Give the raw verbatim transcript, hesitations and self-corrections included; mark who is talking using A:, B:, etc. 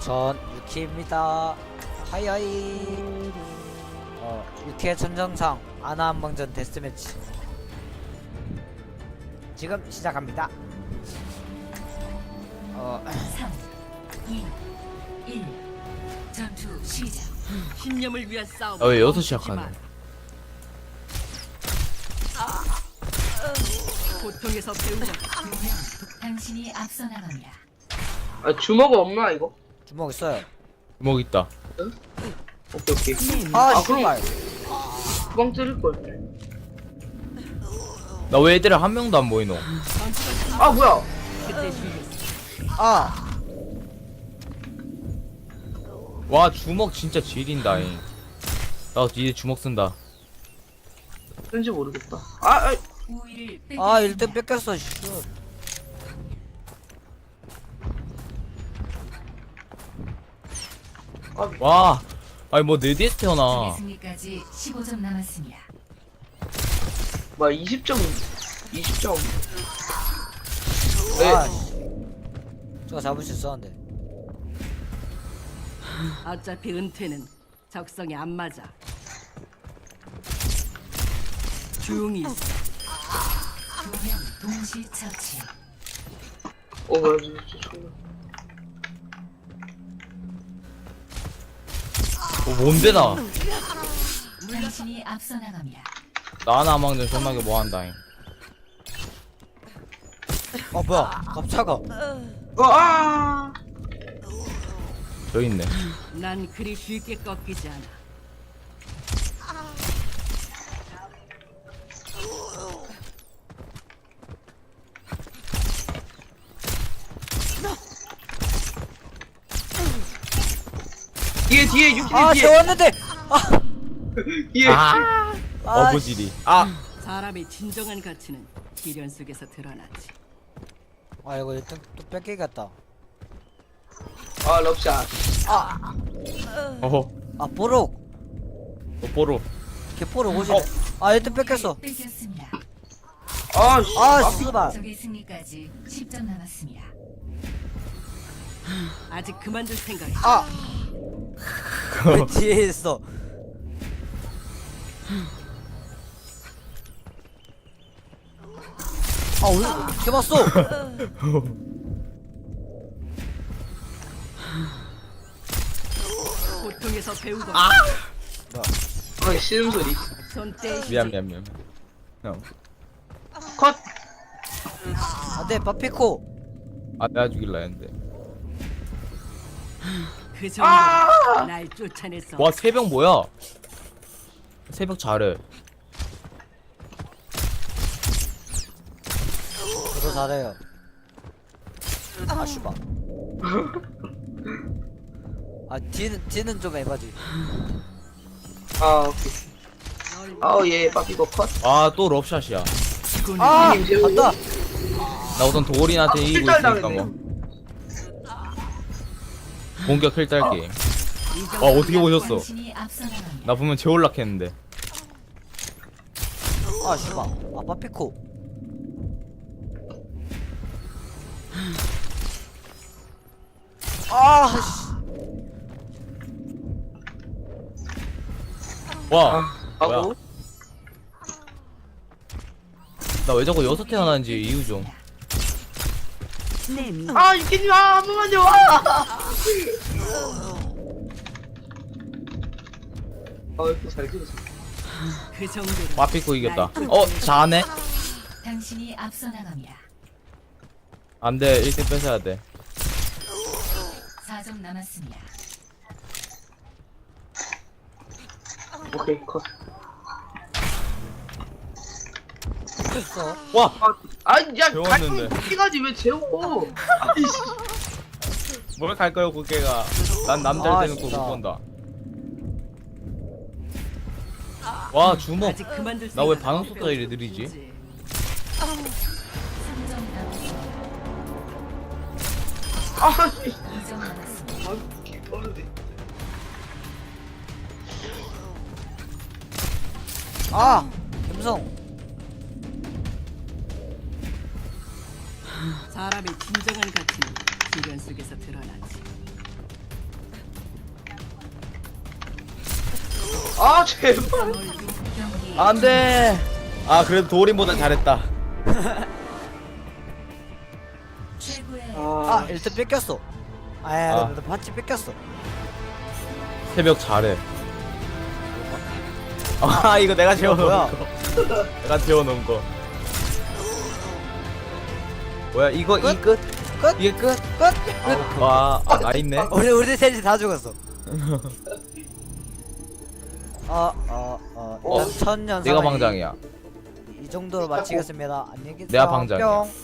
A: 전 유키입니다. 하이하이. 어, 유키의 전정상 아나한방전 데스매치 지금 시작합니다. 어,
B: 삼, 이, 일. 전투 시작.
C: 신념을 위한 싸움.
D: 아, 왜 여기서 시작하네?
C: 고통에서 배우자.
B: 당신이 앞서 나갑니다.
E: 아 주먹 없나 이거?
A: 주먹 있어요.
D: 주먹 있다.
E: 오케이 오케이.
A: 아,
E: 아, 그럼-
A: 씨발.
E: 구강 찌를 걸.
D: 나 왜 애들 한 명도 안 보이노?
E: 아 뭐야?
C: 그때 주의했어.
A: 아,
D: 와 주먹 진짜 지린다잉. 나 이제 주먹 쓴다.
E: 왠지 모르겠다. 아, 아
B: 우위를
A: 아,
B: 뺏겼습니다.
A: 일 등 뺏겼어. 씨.
D: 와, 아니 뭐 내 뒤에서
B: 적의
D: 태어나.
B: 승리까지 십오 점 남았습니다.
E: 뭐야 이십 점 이십 점. 네.
A: 아, 씨. 저거 잡을 수 있었는데.
C: 어차피 은퇴는 적성에 안 맞아. 조용히 있어.
B: 두 명 동시 처치.
E: 어 뭐야 진짜 존나.
D: 어, 뭔데 나?
B: 당신이 앞서 나갑니다.
D: 나 하나 망전 존나게 뭐 한다잉.
A: 어, 뭐야? 깜짝아.
E: 어 아.
D: 저 있네.
C: 난 그리 쉽게 꺾이지 않아.
E: 뒤에 뒤에 육십
A: 아,
E: 뒤에
A: 재웠는데. 아,
E: 뒤에.
D: 아,
A: 아,
D: 어부지리. 아,
C: 사람의 진정한 가치는 미련 속에서 드러나지.
A: 아, 이거 일 등 또 뺏기겠다.
E: 아 럽샷.
D: 어허,
A: 아, 뽀록.
D: 뽀뽀로.
A: 개뽀록 오지네. 아, 일 등 뺏겼어.
B: 뺏겼습니다.
E: 아 씨.
A: 아, 씨발.
B: 적의 승리까지 십 점 남았습니다.
C: 아직 그만둘 생각이.
A: 아. 왜 뒤에 있어? 아, 왜 이렇게 봤어?
C: 고통에서 배우고.
E: 아 씨름 소리.
C: 손 떼시.
D: 미안 미안 미안. 형,
E: 컷.
A: 안돼, 파피코.
D: 아 내가 죽일라 했는데.
C: 그 정도
E: 아!
C: 날 쫓아냈어.
D: 와 새벽 뭐야? 새벽 잘해.
A: 저도 잘해요. 아, 씨발. 아, 뒤는 뒤는 좀 에바지.
E: 아 오케이. 아예 빠삐고 컷.
D: 아 또 럽샷이야.
A: 아,
E: 형님, 제가
A: 간다.
D: 나 우선 도골이한테
E: 아,
D: 이기고
E: 필달
D: 있으니까
E: 당했네.
D: 뭐. 공격 필살기. 와 어떻게 보셨어?
B: 당신이 앞서 나갑니다.
D: 나 보면 재올락했는데.
A: 아, 씨발. 아, 파피코. 아, 씨.
D: 와,
E: 하고.
D: 뭐야? 나 왜 자꾸 여섯 태어나는지 이유 좀.
E: 아 유키님 아, 한 번만요 와. 아 이렇게 잘 찍었어.
C: 그 정도로.
D: 빠삐고 이겼다. 어 잘하네.
B: 당신이 앞서 나갑니다.
D: 안돼 일 등 뺏어야 돼.
B: 사 점 남았습니다.
E: 오케이 컷.
A: 됐어.
D: 와
E: 아야
D: 재웠는데.
E: 갈등 피가지 왜 재워? 아이씨.
D: 뭘 갈 거야 국회가. 난 남자를
A: 아,
D: 대놓고
A: 진짜.
D: 못 본다. 와 주먹.
C: 아직 그만둘
D: 나 왜
C: 생각
D: 반응
C: 없어.
D: 속도가 이리 느리지?
B: 삼 점 남았습니다.
E: 아씨.
B: 이 점 남았습니다.
A: 아, 김성.
C: 사람의 진정한 가치는 미련 속에서 드러나지.
E: 아 제발.
B: 경기
D: 안돼. 아 그래도 도린보다 잘했다.
B: 최고의
A: 아
E: 아
A: 일 등 뺏겼어. 아야
D: 아.
A: 나 반지 뺏겼어.
D: 새벽 잘해. 아 이거 내가 재워놓은
A: 뭐야?
D: 거. 내가 재워놓은 거. 뭐야 이거
A: 끝?
D: 이 끝?
A: 끝?
D: 이게 끝?
A: 끝?
D: 와, 아, 나 있네.
A: 우리 우리 셋이 다 죽었어. 어어어
E: 어,
A: 일단 천년
D: 내가
A: 상황이
D: 방장이야.
A: 이 정도로 마치겠습니다. 안녕히 계세요.
D: 내가 방장이야.
A: 뿅.